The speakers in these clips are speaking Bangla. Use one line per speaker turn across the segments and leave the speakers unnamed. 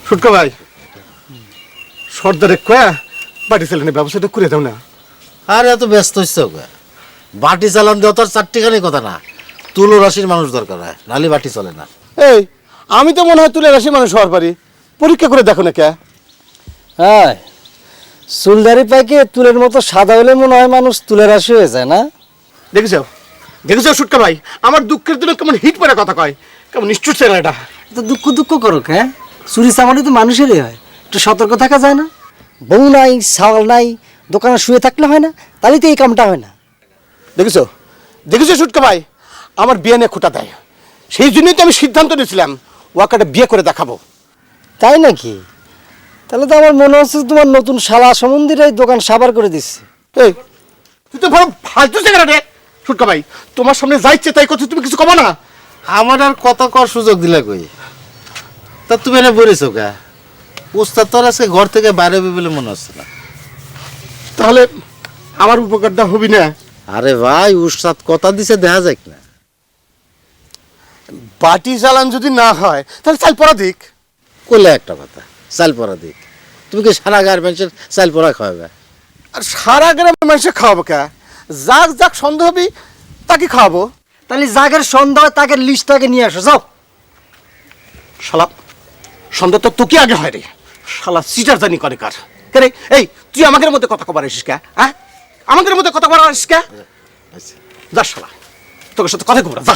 সুটকা ভাই সর্দারে কয়া বাড়ি চালানোর ব্যবস্থাটা করে দাও না।
আর এত ব্যস্ত হচ্ছে ওকে, বাটি চালান দেওয়া তো আর চারটিখানি কথা না, তুলো রাশির মানুষ দরকার হয়, নালি বাটি চলে না।
এই আমি তো মনে হয় তুলে রাশি মানুষ হওয়ার পারি, পরীক্ষা করে দেখো না কে।
হ্যাঁ, চুলদারি পাইকে তুলের মতো সাদা হলে মনে হয় মানুষ তুলে রাশি হয়ে যায় না?
দেখেছো দেখেছো সুটকা ভাই, আমার দুঃখের দিনে কেমন হিট পরে কথা কয়, কেমন নিষ্ঠুর ছেলে এটা।
তো দুঃখ দুঃখ করুক, হ্যাঁ চুরি চামারি তো মানুষেরই হয়, একটু সতর্ক থাকা যায় না? বউ নাই ছাগল নাই, দোকানে শুয়ে থাকলে হয় না, তাহলে তো এই কামটা হয় না।
দেখেছো দেখেছো সুটকা ভাই, আমার বিয়ে নিয়ে খোটা দেয়, সেই জন্যই তো আমি সিদ্ধান্ত নিয়েছিলাম ওকে একটা বিয়ে করে দেখাবো।
তাই নাকি? তাহলে তো আমার মনে হচ্ছে তোমার নতুন শালা সমন্দির এই দোকান সাবার করে দিচ্ছে।
এই তুই তো বড় ফালতু জায়গা রে সুটকা ভাই, তোমার সামনে যাইছে তাই কথা তুমি কিছু কমা না।
আমার আর কত কর সুযোগ দিলে কই, তা তুমি এনে বলেছ কে? উস্তাদ তোর আজকে ঘর থেকে বাইরে হবে বলে মনে হচ্ছে না।
তাহলে আমার উপকারটা হবি না?
আরে ভাই, উস্তাদ কথা দিছে, দেখা যাক না।
বাটি জ্বালান যদি না হয় তাহলে চাল পরা দিক।
কইলে একটা কথা, চাল পরা দিক, তুমি কি সারা গার্মেন্টসের চাল পরা খাওয়াবে?
আর সারা গ্রামের মানুষে খাওয়াবো কে? যাক যাক সন্দেহ হবি তাকে খাওয়াবো।
তাহলে জাগের সন্ধ্যা হয় তাকে লিস্টটাকে নিয়ে আসো, যাও।
শালা সন্দেহ তো তোকে আগে হয় রে, শালা সিটার জানি করে কার কে রে? এই তুই আমাদের মধ্যে কথা কবার আসিস কে? হ্যাঁ আমাদের মধ্যে কথা কবার আসিস কে? যা শালা, তোর সাথে কথা কবার যা।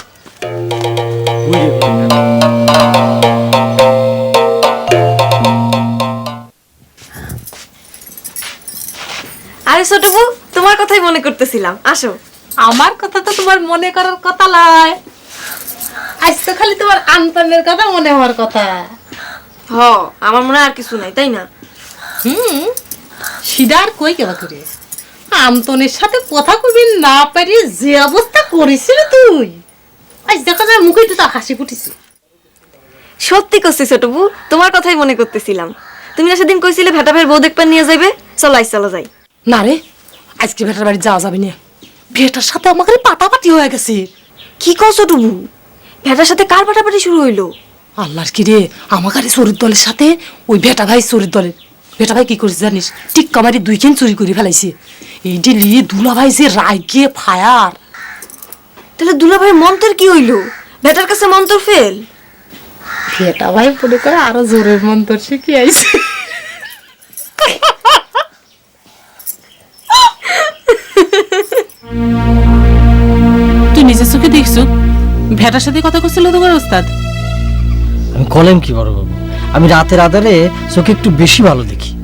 আরে ছোট বউ, তোমার কথাই মনে করতেছিলাম, আসো।
আমার কথা তো তোমার মনে করার কথা লয়, আজ তো খালি তোমার আন্তনের কথা মনে হওয়ার কথা।
হ, আমার মনে হয় আর কিছু নাই, তাই না?
সিডার কই কেবা করে আন্তনের সাথে কথা কবি না পারি যে অবস্থা করেছিল তুই, আজ দেখা যায় মুখে তো হাসি ফুটেছে।
সত্যি করছি ছোট বউ, তোমার কথাই মনে করতেছিলাম। তুমি না সেদিন কইছিলে ভেটা ভাইয়ের বউ দেখবার নিয়ে যাইবে, চলো আজ চলো যাই।
না রে, আজকে ভেটার বাড়ি যাওয়া যাবে না, ভেটার সাথে আমাকে পাটাপাটি হয়ে গেছে।
কি কও ছোট বউ? ভেটার সাথে কার পাটাপাটি শুরু হইলো?
আল্লাহর কি রে, আমাকে চোরের দলের সাথে ওই ভেটা ভাই চোরের দলের। ভেটা ভাই কি করেছে জানিস? টিক্কা মারি 2 কেন চুরি করে ফেলাইছে। এই দিলি দুলা ভাই যে রাগে ফায়ার।
তাহলে দুলা ভাইয়ের মন্ত্রের কি হইলো? ভেটার কাছে মন্ত্র ফেল।
ভেটা ভাই মনে করে আরো জোরের মন্ত্র শিখে আইছে। তুই নিজের চোখে দেখছো ভেটার সাথে কথা করছিল তোমার ওস্তাদ?
আমি কলেম কি বড় বাবু, আমি রাতের আধারে চোখে একটু বেশি ভালো দেখি।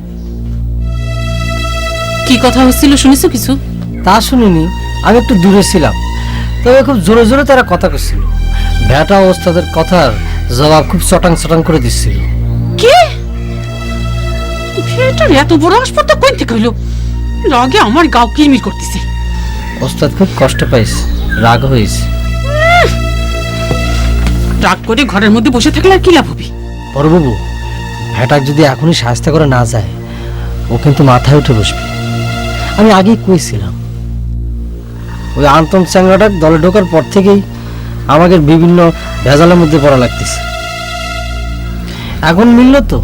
কি কথা হচ্ছিল শুনেছো কিছু?
তা শুনিনি, আমি একটু দূরে ছিলাম, তবে খুব জোরে জোরে তারা কথা করছিল। ভেটা ওস্তাদের কথার জবাব খুব চটাং চটাং করে দিচ্ছিল।
কে ভেটার এত বড় হাসপাতাল কই থেকে হইলো? লাগে আমার গাও কিরমির করতেছে।
ওস্তাদ খুব কষ্ট পাইছে, রাগ হয়েছে।
রাগ করে ঘরের মধ্যে বসে থাকলে আর কি লাভ হবে?
বড়বাবু, ভেটাক যদি এখনই সাহায্য করে না যায়, ও কিন্তু মাথায় উঠে বসবে। আমি আগেই কইছিলাম, ওই আন্তন চ্যাংরাটার দলে ঢোকার পর থেকেই আমাকে বিভিন্ন ভেজালের মধ্যে পড়া লাগতেছে। এখন মিলল তো।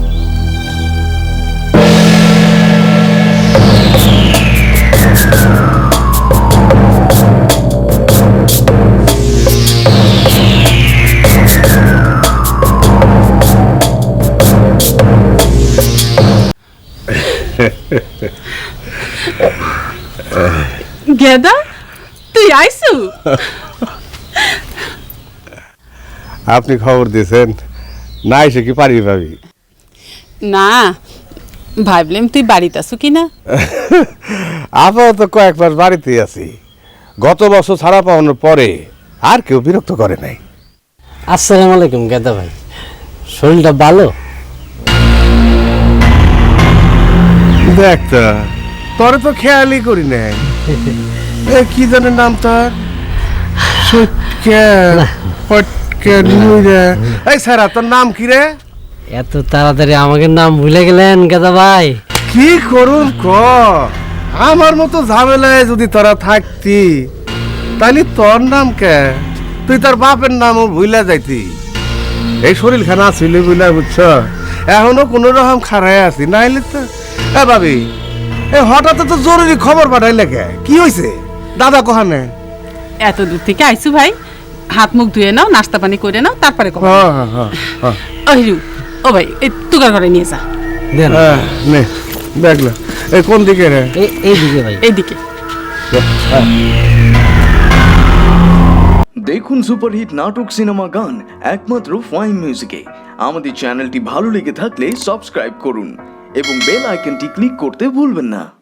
গেদা, তুই আইসু?
আপনি খবর দিয়েছেন না, এসে কি পারি ভাবি?
না, ভাবলাম তুই বাড়িতে আছো কিনা।
আপাতত কয়েক মাস বাড়িতেই আছি। গত বছর ছাড়া পাওয়ানোর পরে আর কেউ বিরক্ত করে নাই।
আসসালামু আলাইকুম গেদা ভাই, শরীরটা ভালো?
দেখ তো, তোরে তো খেয়ালই করি নাই। এ কি জানে নাম তোর? এই স্যার, তোর নাম কি রে?
এত তাড়াতাড়ি আমাকে নাম ভুলে গেলেন গেদা ভাই?
কি করুন ক, আমার মতো ঝামেলায় যদি তোরা থাকতি তাহলে তোর নাম কে? তুই তোর বাপের নামও ভুলে যাইতি। এই শরীর খানা ছিল বুঝলা, বুঝছ? এখনো কোনো রকম খারায় আছি নাইলে তো এ ভাবি এ হঠাৎ তো জরুরি খবর পাঠাইলে কে কি হয়েছে দাদা কহানে
এত দূর থেকে আইসু ভাই, হাত মুখ ধুয়ে নাও, নাস্তা পানি করে নাও, তারপরে কথা। ও হিরু, ও ভাই এই তুগার ঘরে নিয়ে যা।
দেন
নে দেখলো এই কোন দিকে রে
এই দিকে ভাই।
এইদিকে।
দেখুন সুপারহিট নাটক সিনেমা গান একমাত্র ফাইন মিউজিকে। আমাদের চ্যানেলটি ভালো লেগে থাকলে সাবস্ক্রাইব করুন এবং বেল আইকনটি ক্লিক করতে ভুলবেন না।